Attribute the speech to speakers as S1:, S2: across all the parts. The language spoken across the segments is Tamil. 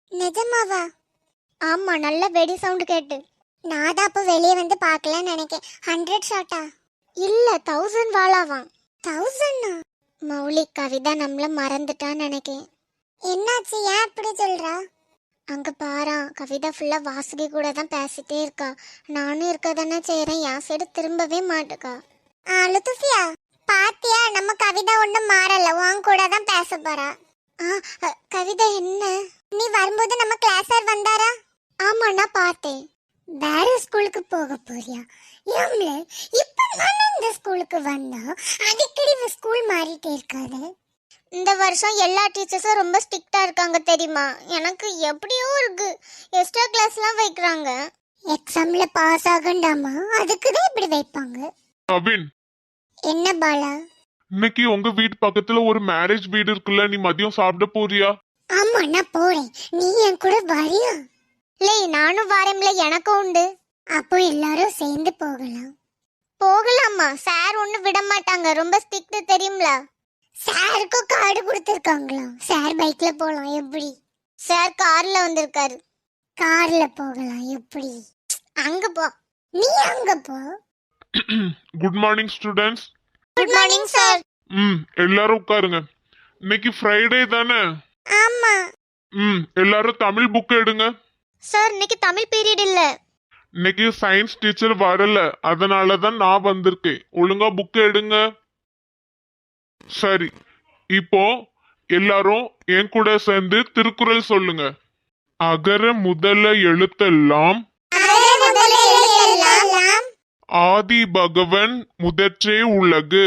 S1: நிஜமாவா? ஆமா, நல்ல வெடி சவுண்ட் கேட்டு. நான் தான் அப்போ வெளியே வந்து பார்க்கலன்னு நினைக்கேன். 100 ஷாட்டா? இல்ல, 1000 வாளாவாம். 1000? மௌலி, கவிதா நம்மள மறந்துட்டான்னு நினைக்கேன். என்னாச்சு, ஏன் அப்படி சொல்றா? அங்க பாரா, கவிதா ஃபுல்லா வாசுகி கூட தான் பேசிட்டே இருக்கா. நானும் இருக்க தானே செய்யறேன், என் சைடு திரும்பவே மாட்டுக்கா. லுத்துஃபியா, பாத்தியா, நம்ம கவிதா ஒண்ணும் மாறல, உன் கூட தான் பேச போறா. கவிதா என்ன? நீ வரும்போது நம்ம கிளாஸ் சார் வந்தாரா? ஆமா, நான் பார்த்தேன். வேற ஸ்கூலுக்கு போக போறியா? ஏம்ல, இப்ப நான் இந்த ஸ்கூலுக்கு வந்தா அடிக்கடி ஸ்கூல் மாறிட்டே இருக்காது. இந்த வருஷம் எல்லா டீச்சர்ஸும் ரொம்ப ஸ்ட்ரிக்ட்டா இருக்காங்க தெரியுமா? எனக்கு எப்படியோ இருக்கு. எக்ஸ்ட்ரா கிளாஸ்லாம் வைக்கிறாங்க. எக்ஸாம்ல பாஸ் ஆகண்டாமா, அதுக்கு தான் இப்படி வைப்பாங்க.
S2: அபின்,
S1: என்ன பாலா?
S2: இன்னைக்கு உங்க வீட்டு பக்கத்துல ஒரு மேரேஜ் வீடு இருக்குல்ல, நீ மதியம் சாப்பிட போறியா?
S1: ஆமா, நான் போறேன். நீ என் கூட வரியா? லே, நானும் வரேன்ல, எனக்கும் உண்டு. அப்போ எல்லாரும் சேர்ந்து போகலாம். போகலாமா? சார் ஒண்ணு விட மாட்டாங்க, ரொம்ப ஸ்ட்ரிக்ட் தெரியும்ல. சாருக்கு கார்டு கொடுத்திருக்காங்களா? சார் பைக்ல போலாம் எப்படி? சார் கார்ல வந்திருக்காரு. கார்ல போகலாம் எப்படி? அங்க போ. நீ அங்க போ.
S2: Good morning students.
S1: Good morning sir.
S2: எல்லாரும் உட்காருங்க. இன்னைக்கு ஃப்ரைடே தானே?
S1: ஆமா
S2: எல்லாரும் தமிழ் புக் எடுங்க.
S1: சார், இன்னைக்கு தமிழ் பீரியட் இல்ல.
S2: இன்னைக்கு சயின்ஸ் டீச்சர் வரல, அதனாலதான் நான் வந்திருக்கேன். ஒழுங்கா புக் எடுங்க. சரி, இப்போ எல்லாரும் என் கூட சேர்ந்து திருக்குறள் சொல்லுங்க. அகர முதல எழுத்தெல்லாம் ஆதி பகவன் முதற்றே உலகு.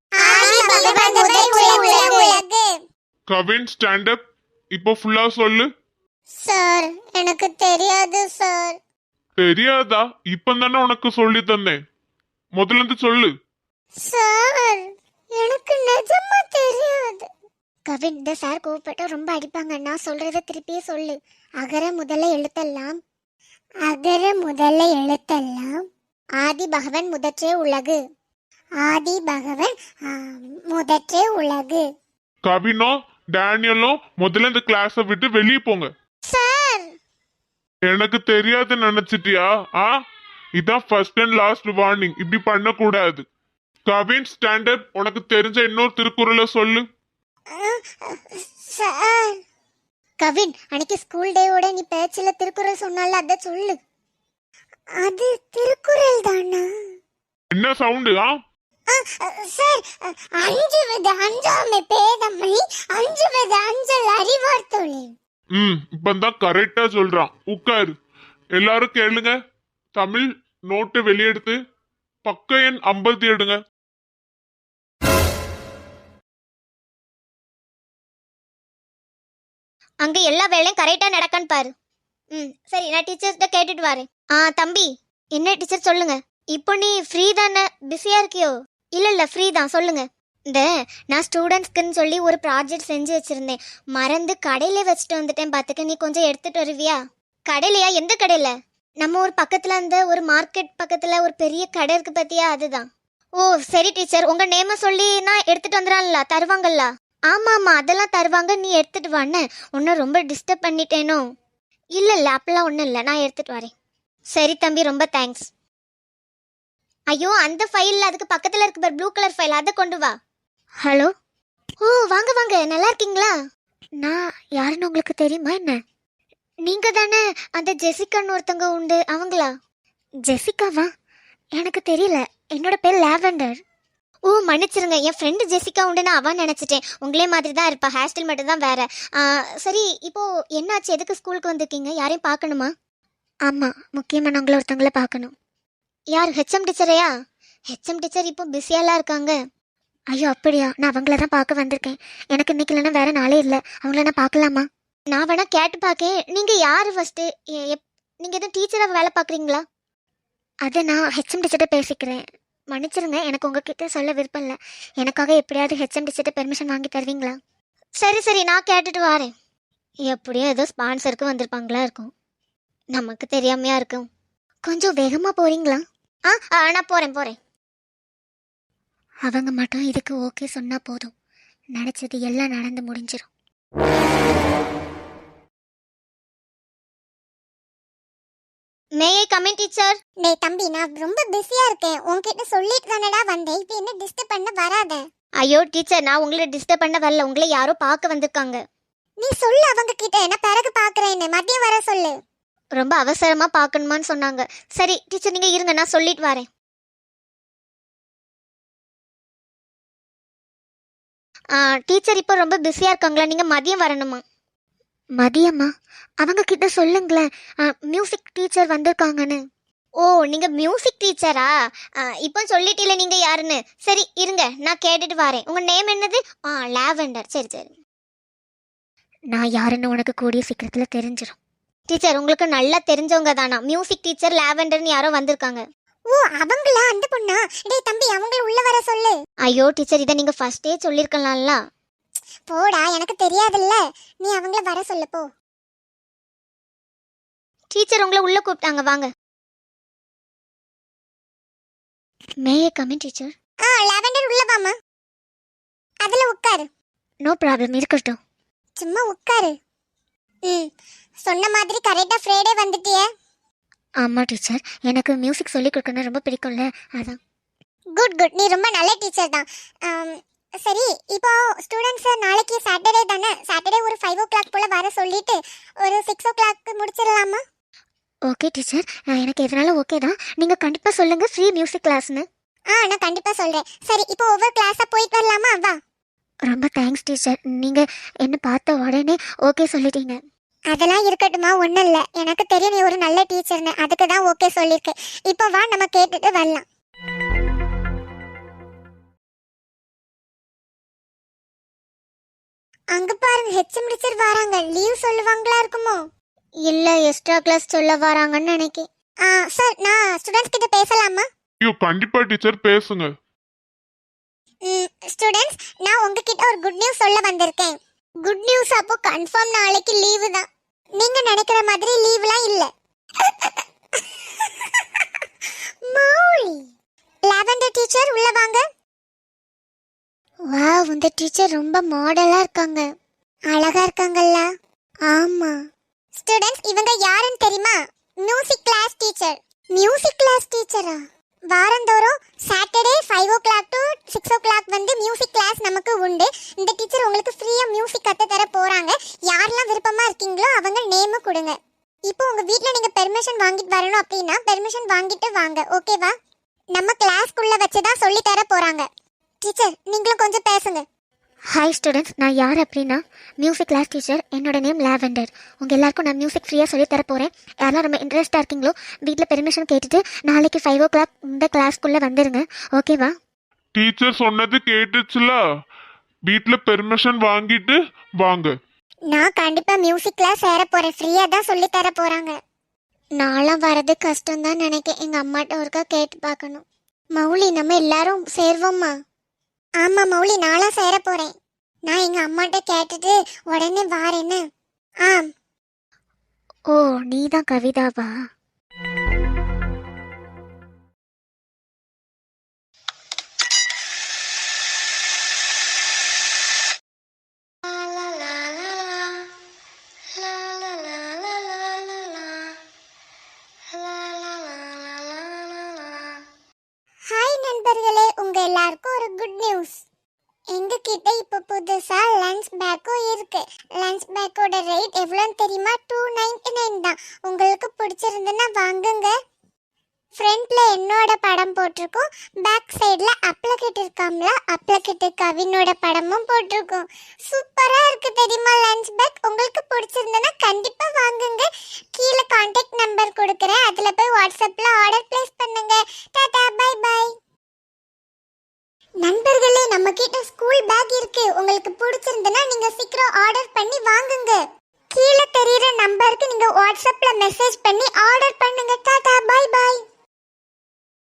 S2: Kavin, stand up. இப்போ ஃபுல்லா சொல்லு.
S1: சார், எனக்கு தெரியாது சார்.
S2: தெரியாதா? இப்பதானே உனக்கு சொல்லி தந்தேன். முதல்ல இருந்து சொல்லு.
S1: சார், எனக்கு நிஜமா தெரியாது. கவின், இந்த சார் கோவப்பட்டா ரொம்ப அடிப்பாங்க. நான் சொல்றத திருப்பியே சொல்லு. அகர முதல்ல எழுத்தெல்லாம் ஆதி பகவன் முதற்றே உலகு. ஆதி பகவன் முதற்றே உலகு.
S2: கவினோ டேனியலும் முதல்ல இந்த கிளாஸ விட்டு வெளியே போங்க.
S1: சார்,
S2: எனக்கு தெரியாது நினைச்சிட்டியா? இதான் ஃபர்ஸ்ட் அண்ட் லாஸ்ட் வார்னிங். இப்படி பண்ண கூடாது. Kavin, stand up. உனக்கு தெரிஞ்ச இன்னொரு திருக்குறளை சொல்லு.
S1: சார், கவின், அன்னைக்கு ஸ்கூல் டேவோட நீ பேச்சில திருக்குறள் சொன்னால, அத சொல்லு. அது திருக்குறள் தானா?
S2: என்ன சவுண்டு?
S1: சார், அஞ்சுவது அஞ்சாமை பேதமை, அஞ்சுவது அஞ்சல் அறிவார் தொழில்.
S2: இப்பதான் கரெக்டா சொல்றான். உட்காரு. எல்லாரும் கேளுங்க. தமிழ் நோட்டு வெளியெடுத்து பக்க எண் 50 எடுங்க.
S1: அங்க எல்லா வேலையும் கரெக்டா நடக்கான்னு பாரு. சரி, நான் டீச்சர்ஸ்ட கேட்டுட்டு வரேன். தம்பி, என்ன டீச்சர் சொல்லுங்க. இப்போ நீ ஃப்ரீ தானே? பிஸியா இருக்கியோ? இல்ல ஃப்ரீ தான், சொல்லுங்க. இந்த நான் ஸ்டூடெண்ட்ஸ்க்குன்னு சொல்லி ஒரு ப்ராஜெக்ட் செஞ்சு வச்சிருந்தேன். மறந்து கடையில வச்சுட்டு வந்துட்டேன் பாத்துக்க. நீ கொஞ்சம் எடுத்துட்டு வருவியா? கடையிலையா? எந்த கடையில? நம்ம ஒரு பக்கத்துல அந்த ஒரு மார்க்கெட் பக்கத்துல ஒரு பெரிய கடை இருக்கு பத்தியா, அதுதான். ஓ சரி டீச்சர், உங்க நேம சொல்லி நான் எடுத்துட்டு வந்துடான்ல, தருவாங்கல்ல? ஆமா அதெல்லாம் தருவாங்க, நீ எடுத்துட்டு வான்னு. உன்னை ரொம்ப டிஸ்டர்ப் பண்ணிட்டேனோ? இல்ல அப்பெல்லாம் ஒன்றும் இல்லை, நான் எடுத்துட்டு வரேன். சரி தம்பி, ரொம்ப தேங்க்ஸ். ஐயோ, அந்த ஃபைல் அதுக்கு பக்கத்தில் இருக்கு பார், ப்ளூ கலர் ஃபைல், அதை கொண்டு வா. ஹலோ. ஓ வாங்க வாங்க, நல்லா இருக்கீங்களா? நான் யாருன்னு உங்களுக்கு தெரியுமா என்ன? நீங்க தானே அந்த ஜெசிகான்னு ஒருத்தவங்க உண்டு, அவங்களா? ஜெசிகாவா? எனக்கு தெரியல, என்னோட பேர் லாவெண்டர். ஓ மன்னிச்சிருங்க, என் ஃப்ரெண்டு ஜெசிகா உண்டு, நான் அவன் நினச்சிட்டேன். உங்களே மாதிரி தான் இருப்பா, ஹேர் ஸ்டைல் மட்டும் தான் வேற. சரி, இப்போ என்னாச்சு? எதுக்கு ஸ்கூலுக்கு வந்திருக்கீங்க? யாரையும் பார்க்கணுமா? ஆமாம், முக்கியமானவங்கள ஒருத்தவங்கள பார்க்கணும். யார்? ஹெச்எம் டீச்சரையா? ஹெச்எம் டீச்சர் இப்போ பிஸியாலாம் இருக்காங்க. ஐயோ அப்படியா? நான் அவங்கள தான் பார்க்க வந்திருக்கேன். எனக்கு இன்னைக்கு இல்லைன்னா வேற நாளே இல்லை. அவங்கள நான் பார்க்கலாமா? நான் வேணா கேட்டு பார்க்கேன். நீங்கள் யார் ஃபஸ்ட்டு? நீங்கள் எதுவும் டீச்சராக வேலை பார்க்குறீங்களா? அதை நான் ஹெச்எம் டீச்சர்கிட்ட பேசிக்கிறேன். மன்னிச்சிருங்க, எனக்கு உங்ககிட்ட சொல்ல விருப்பம் இல்லை. எனக்காக எப்படியாவது ஹெச்எம் டீச்சர்கிட்ட பெர்மிஷன் வாங்கி தருவீங்களா? சரி, நான் கேட்டுட்டு வரேன். எப்படியும் ஏதோ ஸ்பான்சருக்கு வந்திருப்பாங்களா இருக்கும், நமக்கு தெரியாமையா இருக்கும். கொஞ்சம் வேகமாக போகிறீங்களா? நான் போகிறேன். அவங்க மட்டும் இதுக்கு ஓகே சொன்னால் போதும், நினச்சது எல்லாம் நடந்து முடிஞ்சிடும். May I come in teacher?
S3: டேய் தம்பி, நான் ரொம்ப பிஸியா இருக்கேன். உன்கிட்ட சொல்லிட்டு தானடா வந்தேன். இப்போ என்ன டிஸ்டர்ப் பண்ண வராத.
S1: ஐயோ டீச்சர், நான் உங்களை டிஸ்டர்ப் பண்ண வரல. உங்களை யாரோ பார்க்க வந்திருக்காங்க.
S3: நீ சொல்லு அவங்க கிட்ட, நான் பிறகு பாக்குறேன்னு. மதியம் வர சொல்லு.
S1: ரொம்ப அவசரமா பார்க்கணுமான்னு சொன்னாங்க. சரி டீச்சர், நீங்க இருங்க, நான் சொல்லிட்டு வரேன். டீச்சர் இப்போ ரொம்ப பிஸியா இருக்காங்களா? நீங்க மதியம் வரணுமா? மதியமா? அவங்க கிட்ட சொல்லுங்களேன், மியூசிக் டீச்சர் வந்திருக்காங்கன்னு. ஓ, நீங்க மியூசிக் டீச்சரா? இப்போ சொல்லிட்டீல நீங்க யாருன்னு. சரி இருங்க, நான் கேட்டுட்டு வரேன். உங்க நேம் என்னது? லாவெண்டர். சரி சரி, நான் யாருன்னு உனக்கு கூடிய சீக்கிரத்துல தெரிஞ்சிடும். டீச்சர், உங்களுக்கு நல்லா தெரிஞ்சவங்க தானா? மியூசிக் டீச்சர் லாவெண்டர்னு யாரோ வந்திருக்காங்க.
S3: ஓ, அவங்களா? அந்த பொண்ணா? டேய் தம்பி, அவங்கள உள்ள வர சொல்லு.
S1: ஐயோ டீச்சர், இதை நீங்க ஃபர்ஸ்டே சொல்லிருக்கலாம்ல.
S3: போடா, எனக்கு தெரியாதுல்ல. நீ அவங்கள வர சொல்லு போ.
S1: டீச்சர் உங்களை உள்ள கூப்பிட்டாங்க, வாங்க. May I come in teacher?
S3: Lavender, உள்ள வாமா. அதுல உட்காரு.
S1: நோ ப்ராப்ளம், இருக்கட்டும்.
S3: சும்மா உட்காரு. சொன்ன மாதிரி கரெக்டா ஃப்ரைடே வந்துட்டியே.
S1: ஆமா டீச்சர், எனக்கு மியூசிக் சொல்லி கொடுக்கணும் ரொம்ப பிடிக்கும்ல, அதான்.
S3: குட் குட், நீ ரொம்ப நல்ல டீச்சர் தான். சரி, இப்போ ஸ்டூடெண்ட்ஸ் நாளைக்கு சாட்டர்டே தானே? சாட்டர்டே ஒரு 5 o'clock போல வர சொல்லிட்டு ஒரு 6 o'clock முடிச்சிடலாமா?
S1: ஓகே டீச்சர், எனக்கு எதனால ஓகே தான். நீங்க கண்டிப்பா சொல்லுங்க ஃப்ரீ மியூசிக் கிளாஸ்னு.
S3: நான் கண்டிப்பா சொல்றேன். சரி, இப்போ ஒவ்வொரு கிளாஸா போயிட்டு வரலாமா? வா.
S1: ரொம்ப தேங்க்ஸ் டீச்சர், நீங்க என்ன பார்த்த உடனே ஓகே சொல்லிட்டீங்க.
S3: அதெல்லாம் இருக்கட்டுமா, ஒன்றும் இல்லை. எனக்கு தெரியும் நீ ஒரு நல்ல டீச்சர்னு, அதுக்கு தான் ஓகே சொல்லியிருக்கேன். இப்போ வா, நம்ம கேட்டுட்டு வரலாம். அங்க பாருங்க, ஹெச்எம் டீச்சர் வராங்க. லீவ் சொல்லுவாங்களா இருக்குமோ?
S1: இல்ல, எக்ஸ்ட்ரா கிளாஸ் சொல்ல வராங்கன்னு நினைக்கிறேன்.
S3: சார், நான் ஸ்டூடெண்ட்ஸ் கிட்ட பேசலாமா?
S2: ஐயோ கண்டிப்பா டீச்சர், பேசுங்க.
S3: ஸ்டூடெண்ட்ஸ், நான் உங்ககிட்ட ஒரு குட் நியூஸ் சொல்ல வந்திருக்கேன். Good news. அப்போ கன்ஃபார்ம் நாளைக்கு லீவு தான். நீங்க நினைக்கிற மாதிரி லீவ்லாம் இல்ல. மௌலி, லாவெண்டர் டீச்சர் உள்ள வாங்க.
S1: வாவ், இந்த டீச்சர் ரொம்ப மாடலா இருக்காங்க.
S3: அழகா இருக்காங்கல்ல?
S1: ஆமா.
S3: ஸ்டூடெண்ட்ஸ், இவங்க யாருன்னு தெரியுமா? Music class teacher. Music class டீச்சரா? வாரந்தோறும் சாட்டர்டே 5 o'clock to 6 o'clock வந்து மியூசிக் கிளாஸ் நமக்கு உண்டு. இந்த டீச்சர் உங்களுக்கு ஃப்ரீயா மியூசிக் கத்து தர போறாங்க. யாரெல்லாம் விருப்பமா இருக்கீங்களோ அவங்க நேம் கொடுங்க. இப்போ உங்க வீட்ல நீங்க பெர்மிஷன் வாங்கிட்டு வரணும் அப்படின்னா பெர்மிஷன் வாங்கிட்டு வாங்க, ஓகேவா? நம்ம கிளாஸ்க்குள்ள வச்சு தான் சொல்லி தர போறாங்க. டீச்சர், நீங்களும் கொஞ்சம் பேசுங்க.
S1: ஹாய் ஸ்டூடெண்ட்ஸ், நான் யார் அப்படின்னா மியூசிக் கிளாஸ் டீச்சர். என்னோட நேம் லாவெண்டர். உங்கள் எல்லாருக்கும் நான் மியூசிக் ஃப்ரீயாக சொல்லி தர போகிறேன். யாரெல்லாம் ரொம்ப இன்ட்ரெஸ்ட்டாக இருக்கீங்களோ வீட்டில் பெர்மிஷன் கேட்டுட்டு நாளைக்கு 5 o'clock இந்த கிளாஸ்க்குள்ளே வந்துடுங்க, ஓகேவா?
S2: டீச்சர் சொன்னது கேட்டுச்சுல, வீட்ல பெர்மிஷன் வாங்கிட்டு வாங்க.
S3: நான் கண்டிப்பா மியூசிக் கிளாஸ் சேர போறேன். ஃப்ரீயா தான் சொல்லி தர போறாங்க.
S1: நான்லாம் வரது கஷ்டம் தான் நினைக்கிறேன். எங்கள் அம்மாட்ட ஒருக்கா கேட்டு பார்க்கணும். மௌலி, நம்ம எல்லாரும் சேர்வோம்மா?
S3: ஆமா மௌலி, நாளா சேர போறேன். நான் எங்க அம்மாட்ட கேட்டுட்டு உடனே வாரேன்னு.
S1: ஓ, நீ தான் கவிதாவா?
S3: ஹாய் நண்பர்களே, உங்க எல்லாருக்கும் ஒரு குட் நியூஸ். எங்க கிட்ட இப்ப புதுசா லஞ்ச் பேக்கும் இருக்கு. லஞ்ச் பேக்கோட ரேட் எவ்வளோன்னு தெரியுமா? 299 தான். உங்களுக்கு பிடிச்சிருந்துன்னா வாங்குங்க. ஃப்ரண்ட்ல என்னோட படம் போட்டிருக்கோம். பேக் சைடுல அப்ளகிட் இருக்காம்ல, அப்ளகிட் கவினோட படமும் போட்டிருக்கோம். சூப்பரா இருக்கு தெரியுமா லஞ்ச் பேக்? உங்களுக்கு பிடிச்சிருந்தனா கண்டிப்பா வாங்குங்க. கீழே கான்டாக்ட் நம்பர் கொடுக்குறேன், அதுல போய் வாட்ஸ்அப்ல ஆர்டர் பிளேஸ் பண்ணுங்க. Tata, bye bye. நண்பர்களே, நம்ம கிட்ட ஸ்கூல் பேக் இருக்கு. உங்களுக்கு பிடிச்சிருந்தனா நீங்க சீக்கிரம் ஆர்டர் பண்ணி வாங்குங்க. கீழே தெரியுற நம்பருக்கு நீங்க வாட்ஸ்அப்ல மெசேஜ் பண்ணி ஆர்டர் பண்ணுங்க. Tata, bye by.